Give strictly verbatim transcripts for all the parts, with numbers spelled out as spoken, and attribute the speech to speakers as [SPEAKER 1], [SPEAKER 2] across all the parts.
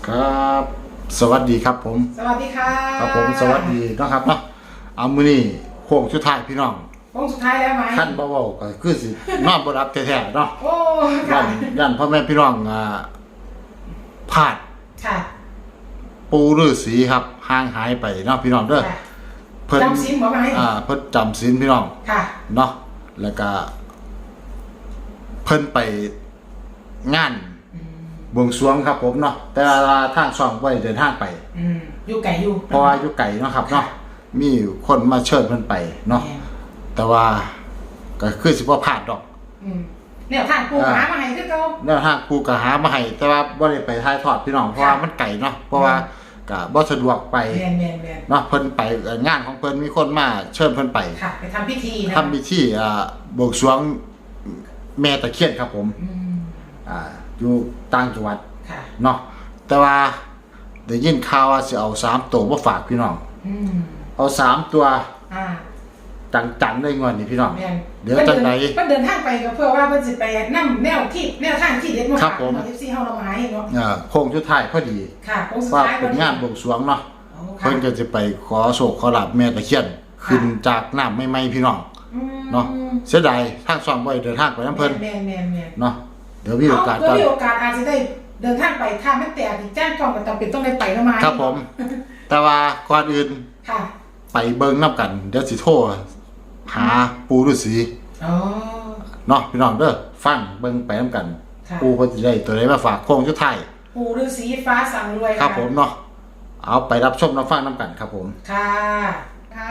[SPEAKER 1] ครับสวัสดีครับผม
[SPEAKER 2] สวัสดีค่ะ
[SPEAKER 1] ครับผมสวัสดีนะครับเนาะเอามื้อนี้โค้งสุดท้ายพี่น้อง
[SPEAKER 2] โค้งสุดท้ายแล้วไหม
[SPEAKER 1] ขั้นเบาๆก็คือสินอนบ่รับแท้ๆเนาะ
[SPEAKER 2] โอ้
[SPEAKER 1] ยั
[SPEAKER 2] ค่ะ
[SPEAKER 1] นยันพ่อแม่พี่น้องอ่าพลาด
[SPEAKER 2] ค่ะ
[SPEAKER 1] ปูฤาษีครับห่างหายไปเนาะพี่น้องเด้อ
[SPEAKER 2] เพิ่นจำศีลบ่ไหม
[SPEAKER 1] อ่าเพิ่นจำศีลพี่น้อง
[SPEAKER 2] ค่ะ
[SPEAKER 1] เนาะแล้วก็เพิ่นไปงานบวงสรวงครับผมเนาะแต่ว่าทางช่องบ่ได้เดินทางไป
[SPEAKER 2] อืมอยู่ไกลอยู่
[SPEAKER 1] เพราะว่าอยู่ไกลเนาะครับเนาะมีคนมาเชิญเพิ่นไปเนาะแต่ว่าก็คือสิบ่พลาดดอก
[SPEAKER 2] อืมแนวทางปูหามาให้คือเก่า
[SPEAKER 1] แนวทางปูก็หามาให้แต่ว่าบ่ได้ไปถ่ายทอดพี่น้องเพราะว่ามันไกลเนาะเพราะว่าก็บ่สะดวกไป
[SPEAKER 2] แม่นๆๆ
[SPEAKER 1] เนาะเพิ่นไปงานของเพิ่นมีคนมาเชิญเพิ่นไป
[SPEAKER 2] ค่ะไปทำพิธีนะ
[SPEAKER 1] ทำพิธีอ่าบวงสรวงแม่ตะเคียนครับผม
[SPEAKER 2] อืม
[SPEAKER 1] อ่าอยู่ต่างจังหวัด
[SPEAKER 2] ค่ะ
[SPEAKER 1] เนาะแต่ว่าได้ยินข่าวว่าสิเอาสามตัวมาฝากพี่น้อง
[SPEAKER 2] อืม
[SPEAKER 1] เอาสามตัว
[SPEAKER 2] อ่า
[SPEAKER 1] จังๆได้งอนนี่พี่น้อง
[SPEAKER 2] เดี๋ยวจังได๋เพิ่นเดินทางไปก็เพื่อว่าเพิ่นสิไปนำแนวที่แนวทางที่เด็ดมาฝากเอฟซีเฮาเรามาให้เนาะ
[SPEAKER 1] อ่าโค้งสุดท้ายพอดี
[SPEAKER 2] ค่ะโค้งสุดท้าย
[SPEAKER 1] เป็นงานบวงสรวงเนาะเพิ่นก็จะไปขอโชคขอลาภแม่ตะเคียนขึ้นจากน้ำใหม่ๆพี่น้องเนาะเสียดายทางซ่อมบ่ได้เดินทางไปนำเพิ่น
[SPEAKER 2] แม่นๆๆ
[SPEAKER 1] เนาะเดี๋ยวมีโอกาส
[SPEAKER 2] ก็มีโอกาสอาจจะได้เดินทางไปถ้าไม่แตกอีกแจ้งกองก็จำเป็นต้องได้ไปนำมา
[SPEAKER 1] ครับผมแต่ว่าก่อนอื่น
[SPEAKER 2] ค่ะ
[SPEAKER 1] ไปเบิ่งนำกันเดี๋ยวสิโทรหาปู่ฤาษี
[SPEAKER 2] อ๋อ
[SPEAKER 1] เนาะพี่น้องเด้อฟังเบิ่งไปนำกันปู่เพิ่นสิได้ตัวใดมาฝากโค้งสุดท้าย
[SPEAKER 2] ปู่ฤาษีฟ้าสั่งรวย
[SPEAKER 1] ครับผมเนาะเอาไปรับชมรับฟังนำกันครับผม
[SPEAKER 2] ค่ะค่ะ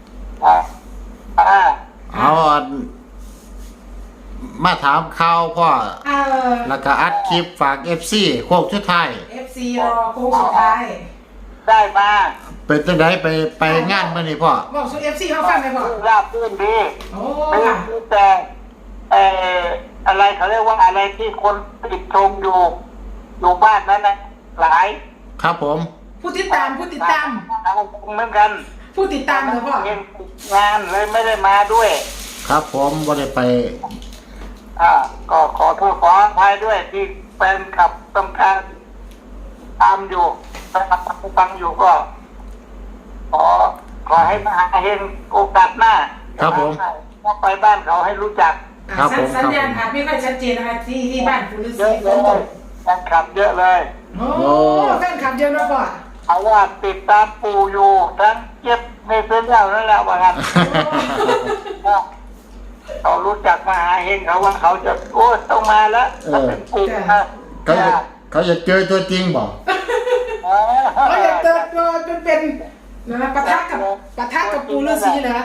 [SPEAKER 1] เอามาถามข่าวพ่อแล้วก็อัดคลิปฝาก เอฟ ซี โค้งสุดท้าย
[SPEAKER 2] เอฟ ซี รอโค้งสุดท้าย
[SPEAKER 3] ได้มา
[SPEAKER 1] เป็นจังได๋ไปไปงานมื้อนี้พ่อ
[SPEAKER 2] บอกสู่ เอฟ ซี เฮาฟังได้พ่อ
[SPEAKER 3] ราบรื่นดี
[SPEAKER 2] โอ้
[SPEAKER 3] ค่ะแต่เอ่ออะไรเขาเรียกว่าอะไรที่คนติดชมอยู่อยู่บ้านนั้นนะหลาย
[SPEAKER 1] ครับผม
[SPEAKER 2] ผู้ติดตามผู้ติดตาม
[SPEAKER 3] เหมือนกัน
[SPEAKER 2] ผู้ติดตามเหรอพ่
[SPEAKER 3] องานเลยไม่ได้มาด้วย
[SPEAKER 1] ครับผมบ่ได้ไป
[SPEAKER 3] อ่าก็ขอโทษขออภัยด้วยที่แฟนคลับต้องการตามอยู่ฟังอยู่ก็ขอขอให้มาเห็นโอกาสหน้า
[SPEAKER 1] ครับผม
[SPEAKER 3] ไปบ้านเขาให้รู้จัก
[SPEAKER 1] ครับผม
[SPEAKER 2] สัญญาณอาจไม่ค่อยชัดเจนนะคะที่ที่บ้านคุณฤาษี
[SPEAKER 3] ฝนตกแฟนคลับเยอะเลย
[SPEAKER 2] โอ้แฟนคลับเยอะนะพ่อ
[SPEAKER 3] เอาว่าติดตามปู่อยู่ทั้งเจ็บในเส้นเล่านั่นแหละว่ากันเขารู้จักมาหาเห็นเขาว่าเขาจะโอ้ต้องมาแล้วถ้าเป็นปู่นะ
[SPEAKER 1] เขาจะเขาจะเจอตัวจริงบ่
[SPEAKER 2] เขาจะเจอตัวเป็นเป็นนะปะทะกับปะทะกับปู่ฤาษีนะ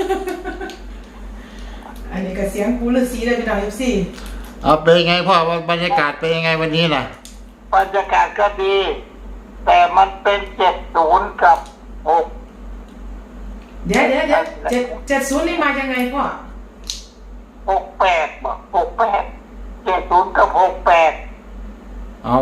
[SPEAKER 2] อันนี้ก็เสียงปู่ฤาษีเลยพี่น้อง เอฟ ซี
[SPEAKER 1] เอาเป็นไงพ่อบรรยากาศเป็นยังไงวันนี้น่ะ
[SPEAKER 3] บรรยากาศก็ดีแต่มันเป็นเจ็ดศูนย์กับหก
[SPEAKER 2] เดี๋ยวเดี๋ยวเดี๋ยวเจ็ดเจ็ดศูนย์นี่มายังไงพ่อ
[SPEAKER 3] หกแปดบอกหกแปดเจ็ดศูนย์กับหกแปด
[SPEAKER 1] เอา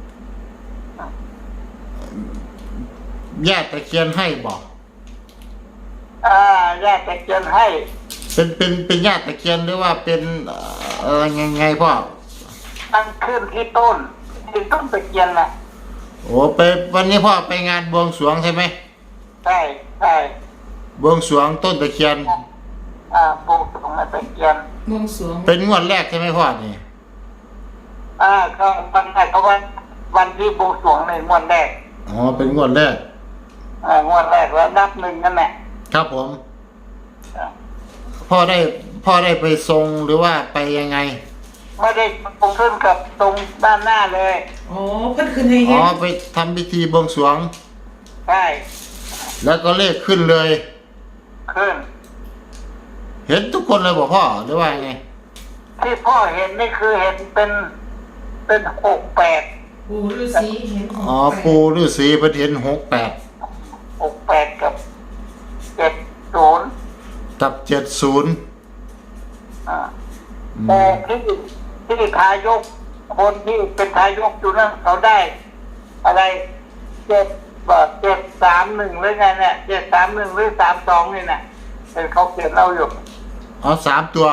[SPEAKER 1] แยกตะเคียนให้บอก
[SPEAKER 3] อ่าแยกตะเคียนให้
[SPEAKER 1] เป็นเป็นเป็นญาติตะเคียนหรือว่าเป็นเอ่อยังไงพ่อ
[SPEAKER 3] ตั้งขึ้นที่ต้นที่ต้นตะเคียนน่ะ
[SPEAKER 1] โอ้ไปวันนี้พ่อไปงานบวงสรวงใช่ไหม
[SPEAKER 3] ใช่ใช่
[SPEAKER 1] บวงสรวงต้นตะเคียน
[SPEAKER 3] อ่าบวงสรวงตะเคียน
[SPEAKER 2] บวงสรวง
[SPEAKER 1] เป็นงวดแรกใช่ไหมพ่อนี่
[SPEAKER 3] อ่าก็วันแรกเขาวันวันที่บวงสรวงในงวดแรก
[SPEAKER 1] อ๋อเป็นงวดแรก
[SPEAKER 3] อ่างวดแรกแล้วนับหนึ่งนั่นแหละ
[SPEAKER 1] ครับผมพ่อได้พ่อได้ไปทรงหรือว่าไปยังไง
[SPEAKER 3] ไม่ได้ตรงขึ้นกับตรงด้านหน้าเลย
[SPEAKER 2] อ๋อเพิ่นขึ้นให้เห็น
[SPEAKER 1] อ๋อไปทำพิธีบวงสรวง
[SPEAKER 3] ใช่
[SPEAKER 1] แล้วก็เลขขึ้นเลย
[SPEAKER 3] ขึ้น
[SPEAKER 1] เห็นทุกคนเลยบอกพ่อหรือว่าไง
[SPEAKER 3] ที่พ่อเห็นนี่คือเห็นเป็นเป็นหกแปด
[SPEAKER 2] ปู่ฤาษีเห็น
[SPEAKER 1] อ๋อปู่ฤาษีเพิ่นเห็นหกแปด
[SPEAKER 3] หกแปดกับเจ็ดศูนย์
[SPEAKER 1] กับเจ็ดศูนย์
[SPEAKER 3] อ่าแต่ที่ที่ทายกคนที่เป็นทายกอยู่นั่นเขาได้อะไรเจ็ดแบบเจ็ดสามหนึ่งหรือไงเนี่ยเจ็ดสามหนึ่งหรือสามสองนี่นะเป็นเขาเขียนเราอยู่
[SPEAKER 1] อ๋อสามตัว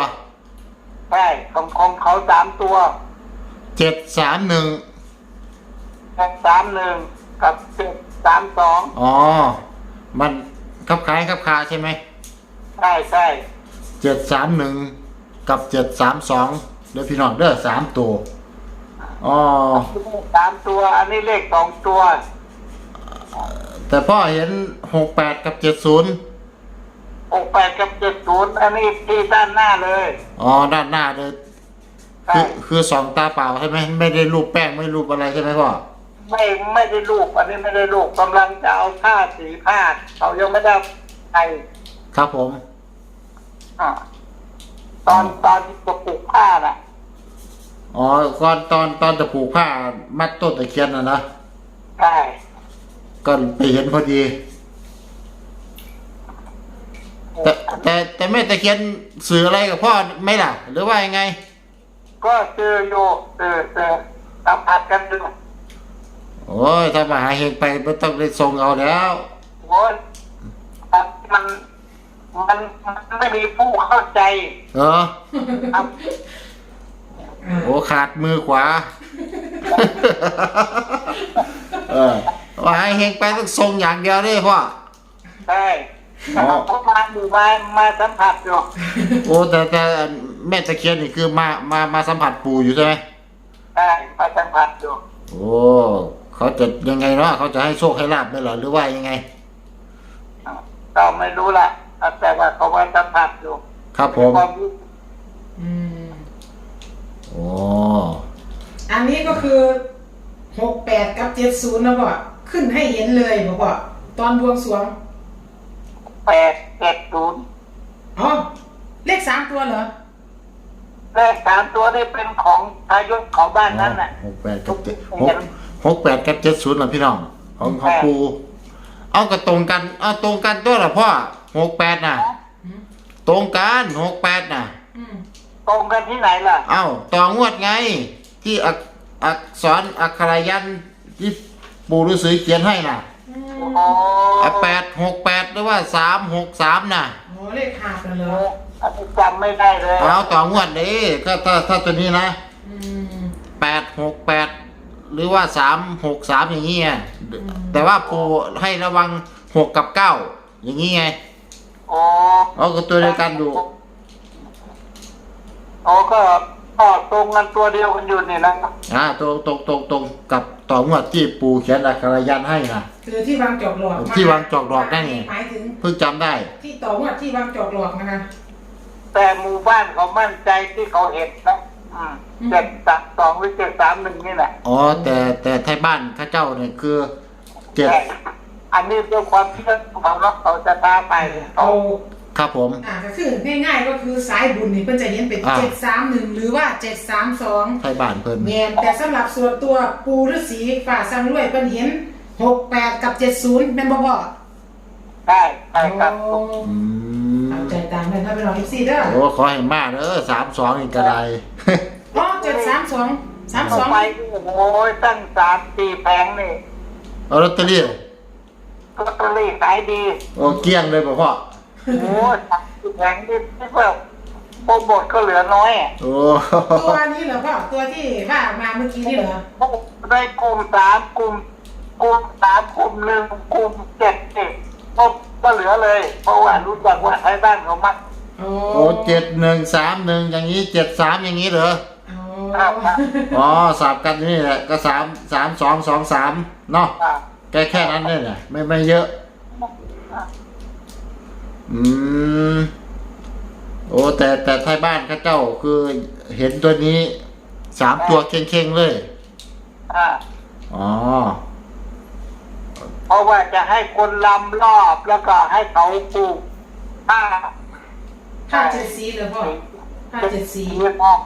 [SPEAKER 3] ใช่ของของเขาสามตัว
[SPEAKER 1] เจ็ดสามหนึ่ง
[SPEAKER 3] เจ็ดสามหนึ่งกับเจ็ดสามสอง
[SPEAKER 1] อ๋อมันคับคล้ายคับคาใช่ไหม
[SPEAKER 3] ใช่ใช่
[SPEAKER 1] เจ็ดสามหนึ่งกับเจ็ดสามสองเดี๋ยวพี่น้องเด้อสามตัวอ๋อ
[SPEAKER 3] สามตัวอันนี้เลขสองตัว
[SPEAKER 1] แต่พ่อเห็นหกแปดกับเจ็ดศูนย์
[SPEAKER 3] หกแปดกับเจ็ดศูนย์อันนี้ที่ด้านหน้าเลย
[SPEAKER 1] อ๋อด้านหน้าเลย
[SPEAKER 3] ใช่
[SPEAKER 1] คือคือสองตาเปล่าใช่ไหมไม่ได้รูปแป้งไม่รูปอะไรใช่ไหมพ่อ
[SPEAKER 3] ไม่ไม่ได้ลูกอันนี้ไม่ได้ลูกกำลังจะเอาผ้าสีผ้าเขายังไม่ได้ใส่
[SPEAKER 1] ครับผม
[SPEAKER 3] อ่าตอนตอนที่จะปลูกผ้าน่ะ
[SPEAKER 1] อ๋อก่อนตอนตอนจะผูกผ้ามัดต้นตะเคียนนะนะ
[SPEAKER 3] ใช่
[SPEAKER 1] ก็ไปเห็นพอดี แต่แต่แต่แม่ตะเคียนสื่ออะไรกับพ่อไหม่ล่ะ หรือว่ายังไง
[SPEAKER 3] ก็เจอโยเจอเจอสัมผัสกันดู
[SPEAKER 1] โอ้ยถ้ามาหาเฮงไปไม่ต้องได้ส่งเอาแล้ว
[SPEAKER 3] โอ้ยมันมันมันไม่มีผู้เข้าใจ
[SPEAKER 1] เออ
[SPEAKER 3] ครับ
[SPEAKER 1] โอ้ขาดมือขวา เออว่าให้เฮงไปต้องส่งอย่างเดียวเลยพ่อ
[SPEAKER 3] ใช่
[SPEAKER 1] อ๋อ
[SPEAKER 3] เขามาดูมามาสัมผัสอยู่
[SPEAKER 1] โอ้แต่แต่แม่ตะเคียนนี่คือมามามาสัมผัสปู่อยู่ใช่ไหม
[SPEAKER 3] ใช่มาสัมผัสอยู่
[SPEAKER 1] โอ้เขาจะยังไงเนาะเขาจะให้โชคให้ลาบไหมเหรอหรือว่ายังไง
[SPEAKER 3] ก็ไม่รู้ละแต่ว่าเขามาสัมผัสอยู่
[SPEAKER 1] ครับผม
[SPEAKER 3] ความรู้
[SPEAKER 2] อืม
[SPEAKER 1] โอ้
[SPEAKER 2] อันนี้ก็คือหกแปดกับเจ็ดศูนย์นะพ่อขึ้นให้เห็นเลยบอกว่าตอนบวงสรวง
[SPEAKER 3] แปดเจ็ดศูนย์
[SPEAKER 2] อ๋อเลขสามตัวเหรอ
[SPEAKER 3] เลขสามตัวนี่เป็นของทายกของบ้านนั้นน่ะ
[SPEAKER 1] หกแปดกับเจ็ดหกหกแปดกับเจ็ดศูนย์เหรอพี่น้องของของปูเอากระตรงกันเอาตรงกันตัวเหรอพ่อหกแปดน่ะ
[SPEAKER 2] อืม
[SPEAKER 1] ตรงกันหกแปดน่ะ
[SPEAKER 2] อืม
[SPEAKER 3] ตรงกันที่ไหนล่ะ
[SPEAKER 1] เอ้าต่องวดไง ที่อักอักษรอักขรายันที่ปู่ฤาษีเขียนให้น่ะ
[SPEAKER 2] อืม
[SPEAKER 3] อ๋อ
[SPEAKER 1] แปดหกแปดหรือว่าสามหกสามน่ะ
[SPEAKER 2] โอ้เลขหาบกันเหรอ
[SPEAKER 3] อันนี้จำไม่ได้เลย
[SPEAKER 1] เอาต่องวดนี้ก็ถ้าถ้าตัวนี้นะ
[SPEAKER 2] อืม
[SPEAKER 1] แปดหกแปดหรือว่าสามหกสามอย่างนี้ไงแต่ว่าปู่ให้ระวังหกกับเก้าอย่างนี้ไง
[SPEAKER 3] โอ้
[SPEAKER 1] เอาก็ตัวเดียวกันอยู่
[SPEAKER 3] โอ้ก็ก็ตรงกันตัวเดียวกันอยู่นี่นะ
[SPEAKER 1] อ่าตรงตรงตรงตรงกับต่องวดที่ปู่เขียนอักขรายันให้นะ
[SPEAKER 2] คือที่วางจอกหลอก
[SPEAKER 1] ที่วางจอกหลอกนั่นไง
[SPEAKER 2] หมายถึง
[SPEAKER 1] เพิ่งจำได้
[SPEAKER 2] ที่ต่องวดที่วางจอกหลอกนะคะ
[SPEAKER 3] แต่หมู่บ้านเขามั่นใจที่เขาเห็นนะอืมเจ็ดสามสองหรือเจ็ดสามหนึ่งนี่แหละ
[SPEAKER 1] อ๋อแต่แต่ไทยบ้านข้าเจ้าเนี่ยคือเจ็ด
[SPEAKER 3] ใช่อันนี้ด้วยความเชื่อของเขาเนาะเขาจะพาไปเขา
[SPEAKER 2] เอา
[SPEAKER 1] ครับผม
[SPEAKER 2] อ่าก็คือง่ายๆก็คือสายบุญนี่เพิ่นจะเห็นเป็น
[SPEAKER 1] อ่า
[SPEAKER 2] เจ็ดสามหนึ่งหรือว่าเจ็ดสามสอง
[SPEAKER 1] ไทยบ้านเพิ่น
[SPEAKER 2] แมนแต่สำหรับส่วนตัวปูฤาษีฝ่าสังรวยเพิ่นเห็นหกแปดกับเจ็ดศูนย์แม่นบ่พ่อ
[SPEAKER 3] ใช่ใช่ครับ
[SPEAKER 2] โอ้
[SPEAKER 1] อืม
[SPEAKER 2] เอาใจตามเลยถ้าเป็นน้องเอฟซีเด้อ
[SPEAKER 1] โอ้ขอให้มาเด้อสามสองนี่ก็ได้
[SPEAKER 2] อ๋อเจ็ดสามสองสามสอง
[SPEAKER 3] ไปโอ้ยตั้งสามสี่แผงนี่
[SPEAKER 1] เอาลอตเตอรี่
[SPEAKER 3] ลอตเตอรี่ขายดี
[SPEAKER 1] โอ้เกลี้ยงเลยบ่พ่อ
[SPEAKER 3] โอ้ยสามสี่แผงนี่ที่ว่าโปรโมทก็เหลือน้อยอะ
[SPEAKER 1] โอ้
[SPEAKER 2] ตัวนี้เหรอพ่อตัวที่ว่ามาเมื่อกี้นี่เหรอ
[SPEAKER 3] ได้กลุ่มสามกลุ่มกลุ่มสามกลุ่มหนึ่งกลุ่มเจ็ดสิบก็ก็เหลือเลย เพราะว่ารู้จักว่าไทยบ้านเขามัก
[SPEAKER 2] โอ้
[SPEAKER 1] โอ้เจ็ดหนึ่งสามหนึ่งอย่างนี้เจ็ดสามอย่างนี้เหรอ
[SPEAKER 2] โอ้
[SPEAKER 3] ครับครับ
[SPEAKER 1] อ๋อสับกันนี่แหละก็สามสามสองสองสามเนาะ
[SPEAKER 3] อ่า
[SPEAKER 1] แค่แค่นั้นเนี่ยนะไม่ไม่เยอะ อืมโอ้แต่แต่ไทยบ้านข้าเจ้าคือเห็นตัวนี้สามตัวเข่งๆเลย
[SPEAKER 3] อ่า
[SPEAKER 1] อ๋อ
[SPEAKER 3] เพราะว่าจะให้คนลำรอบแล้วก็ให้เขาปลูกผ้า
[SPEAKER 2] ห้าเจ็ดสีเหรอพ่อห้าเจ็ดสี
[SPEAKER 3] เงินออก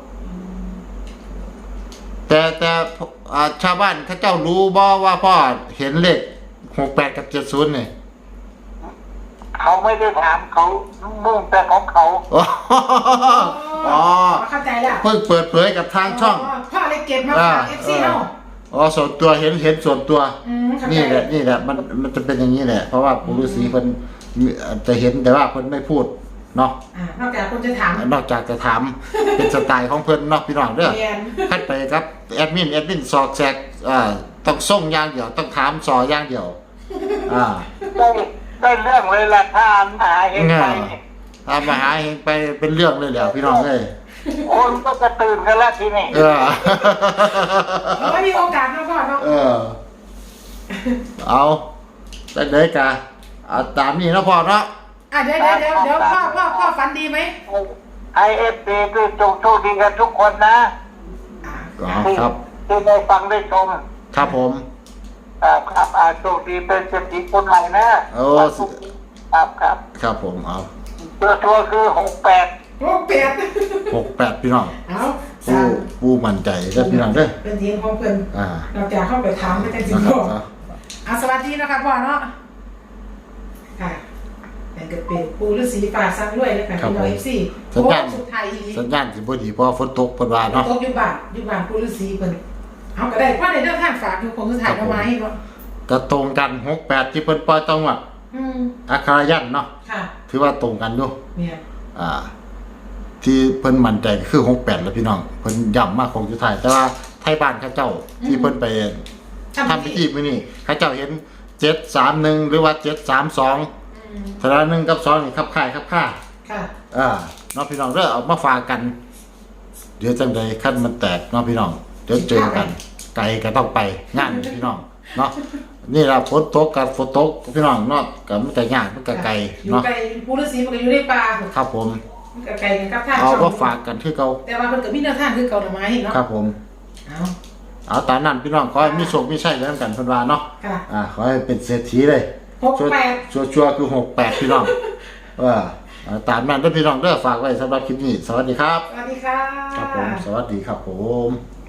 [SPEAKER 1] แต่แต่อ่าชาวบ้านข้าเจ้ารู้บ่ว่าพ่อเห็นเลขหกแปดกับเจ็ดศูนย์เนี่ย
[SPEAKER 3] เขาไม่ได้ถามเขามุ่งแต่ของเขา
[SPEAKER 1] อ๋ออ๋อ
[SPEAKER 2] เข้าใจแล้ว
[SPEAKER 1] เพิ่งเปิดเผยกับทางช่อง
[SPEAKER 2] พ่อเลยเก็บมาฝากเอฟซีเนาะ
[SPEAKER 1] อ๋อส่วนตัวเห็นเห็นส่วนตัว
[SPEAKER 2] อืมเข้าใจ
[SPEAKER 1] นี่แหละนี่แหละมันมันจะเป็นอย่างนี้แหละ เพราะว่าปู่ฤาษีเพิ่นมีจะเห็นแต่ว่าเพิ่นไม่พูดเนาะ
[SPEAKER 2] อ่านอกจากคนจะถาม
[SPEAKER 1] นอกจากจะถาม เป็นสไตล์ของเพิ่นเนาะพี่น้องเด้อ
[SPEAKER 2] เรียน
[SPEAKER 1] คัดไปครับแอดมินแอดมินสอกแซกอ่าต้องส่งอย่างเดียวต้องถามสออย่างเดียว อ่า
[SPEAKER 3] ได้ได้เรื่องเลยล่ะถ้ามหาเห็นไปนี่
[SPEAKER 1] ถามมาหาเฮงไปเป็นเรื่องเลยแหล้วพี่น้องเอ้ย
[SPEAKER 3] คนก็กระตื่นกันแล้วทีนี้
[SPEAKER 1] เออ
[SPEAKER 2] เราไม่มีโอกาสเนาะพ่อเนาะ
[SPEAKER 1] เออ เอาได้เลยกะเอาตามนี้เนาะพ่อเนาะ
[SPEAKER 2] อ่ะเดี๋ยวเดี๋ยวเดี๋ยวเดี๋ยวพ่อพ่อพ่อฝันดีไหม
[SPEAKER 3] ไอเอฟดีด้วยจงโชคดีกันทุกคนนะ
[SPEAKER 1] ก็
[SPEAKER 3] ที่
[SPEAKER 1] ครับ
[SPEAKER 3] ที่ได้ฟังได้ชม
[SPEAKER 1] ครับผม
[SPEAKER 3] ครับครับอาโชคดีเป็นเศรษฐีคนใหม่นะ
[SPEAKER 1] โอ้
[SPEAKER 3] ครับครับ
[SPEAKER 1] ครับผมเอา
[SPEAKER 3] ตัวตัวคือหกแปด
[SPEAKER 2] โอ้เปียก
[SPEAKER 1] หกแปดพี่น้อง
[SPEAKER 2] เอา
[SPEAKER 1] ปู
[SPEAKER 2] สาม
[SPEAKER 1] ปูมั่นใจเด้อพี่น้องเด้อ
[SPEAKER 2] เป็นทีมของเพิ่น
[SPEAKER 1] อ่า
[SPEAKER 2] เราจะเข้าไปถามไม่ได้จริง
[SPEAKER 1] นะค
[SPEAKER 2] พ่
[SPEAKER 1] รั
[SPEAKER 2] อบ อ่ะสวัสดีนะครับพ่อเนาะค่ะแต่ก็เป็นปูฤาษีป่าซังด้วยนะคะพี่น้องเอฟซีโค้งสุดท้ายอีหลี
[SPEAKER 1] สัญญาณสิบ่ดีเพราะฝนตกเพิ่นว่าเนาะ
[SPEAKER 2] ตกอยู่บ้านอยู่บ้านปูฤาษีเพิ่นเอาก็ได้พ่อได้เรื่องทางฝากอยู่คงสุดท้ายเอาไว้เนาะ
[SPEAKER 1] ก็ตรงกันหกแปดที่เพิ่นปล่อยต้องว่า
[SPEAKER 2] อืม
[SPEAKER 1] อัครายันเนาะ
[SPEAKER 2] ค่ะ
[SPEAKER 1] ถือว่าตรงกันอยู่
[SPEAKER 2] เนี่ย
[SPEAKER 1] อ่า ที่เพิ่นมั่นใจก็คือหกแปดแล้วพี่น้องเพิ่นย้ำมาคงสุดท้ายแต่ว่าไทยบ้านเขาเจ้าที่เพิ่นไปทำพิธีมื้อนี้เขาเจ้าเห็นเจ็ดสามหนึ่งหรือว่าเจ็ดสามสอง
[SPEAKER 2] อืม
[SPEAKER 1] แต่ละหนึ่งกับสองนี่คับค่ายคับค่า
[SPEAKER 2] ค่ะ
[SPEAKER 1] อ่าเนาะพี่น้องเด้อเอามาฝากกัน เดี๋ยวจังใดคันมันแตกเนาะพี่น้องเดี๋ยวเจอกัน ไกลก็ต้องไปงานพี่น้องเนาะนี่ล่ะฝนตกกับฝนตกพี่น้องเนาะก็มันก็ยากมันก็ไกล
[SPEAKER 2] อยู่
[SPEAKER 1] เนาะ
[SPEAKER 2] ไกลปูฤาษีมันก็อยู่ในป่า
[SPEAKER 1] ครับผม
[SPEAKER 2] มันก็ไกลกันครับท่าน
[SPEAKER 1] เอา
[SPEAKER 2] ช่อง
[SPEAKER 1] มาฝากกันคือเก่า
[SPEAKER 2] แต่ว่ามันก็มีแนวทางคือเก่าหน่อไม้เนาะ
[SPEAKER 1] ครับผม
[SPEAKER 2] เอา
[SPEAKER 1] เอาตามนั้นพี่น้องขอให้มีโชคมีชัยกันกันเพิ่นว่าเนาะ
[SPEAKER 2] ค่ะ
[SPEAKER 1] อ่าขอให้เป็นเศรษฐีเลย
[SPEAKER 2] หกแปด
[SPEAKER 1] ชัวร์ชัวร์ๆคือหกแปดพี่น้องเออเอาตามนั้นเด้อพี่น้องเด้อฝากไว้สำหรับคลิปนี้สวัสดีครับ
[SPEAKER 2] สวัสดีค่ะ
[SPEAKER 1] ครับผมสวัสดีครับผม